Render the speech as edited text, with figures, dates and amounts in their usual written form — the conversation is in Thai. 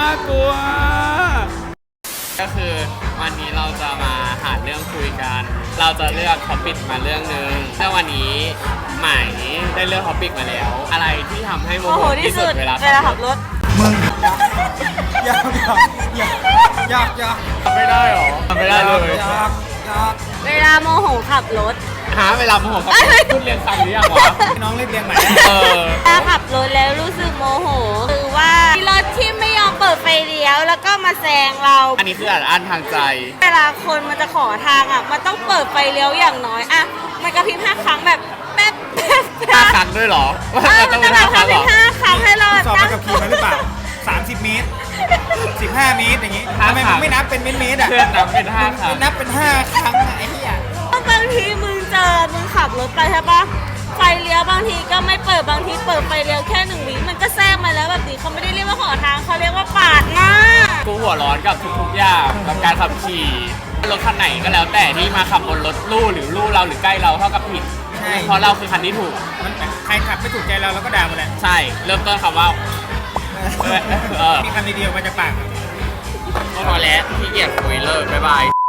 น่ากลัวก็คือวันนี้เราจะมาหาเรื่องคุยกัน เราจะเลือกท็อปิกมาเรื่องนึงแต่วันนี้ใหม่ได้เลือกท็อปิกมาแล้ว อะไรที่ทำให้โมโหที่สุดเวลาขับรถมึงอยากทำไม่ได้หรอทำไม่ได้เลยอยากเวลาโมโหขับรถเวลาโมโหขับรถพูดเรียนฟังหรือยังวะน้องเรียกเรียงใหม่ถ้าขับรถแล้วรู้สึกโมโหคือว่ารถที่ไม่ยอมเปิดไฟเลี้ยวแล้วก็มาแซงเราอันนี้คืออันทางใจเวลาคนมันจะขอทางอ่ะมันต้องเปิดไฟเลี้ยวอย่างน้อยอ่ะมันกระพริบ5 ครั้งแบบแป๊บ 5 ครั้งด้วยหรอมันจะแบบกระพริบ5 ครั้งให้เราสอบมากับขี่มาหรือเปล่า30 เมตร15 เมตรอย่างงี้ทำไมมึงไม่นับเป็นเมตรอ่ะนับเป็น5 ครั้งนับเป็น5 ครั้งไอ้เหี้ยบางทีมึงขับรถไปใช่ปะไฟเลี้ยวบางทีก็ไม่เปิดบางทีเปิดไฟเลี้ยวแค่1 วิมันก็แซงมาแล้วแบบนี้เขาไม่ได้เรียกว่าขอทางเขาเรียกว่าปาดหน้ากูหัวร้อนกับทุกๆอย่างกับการขับขี่รถคันไหนก็แล้วแต่ที่มาขับบนรถลู่หรือลู่เราหรือใกล้เราเท่ากับผิดเพราะเราคือคันที่ถูกมันใครขับไม่ถูกใจเราก็ด่าหมดแหละใช่เริ่มต้นคำว่ามีคำเดียวมาจากปากพอแล้วพี่เกียรคุยเลิกบ๊ายบาย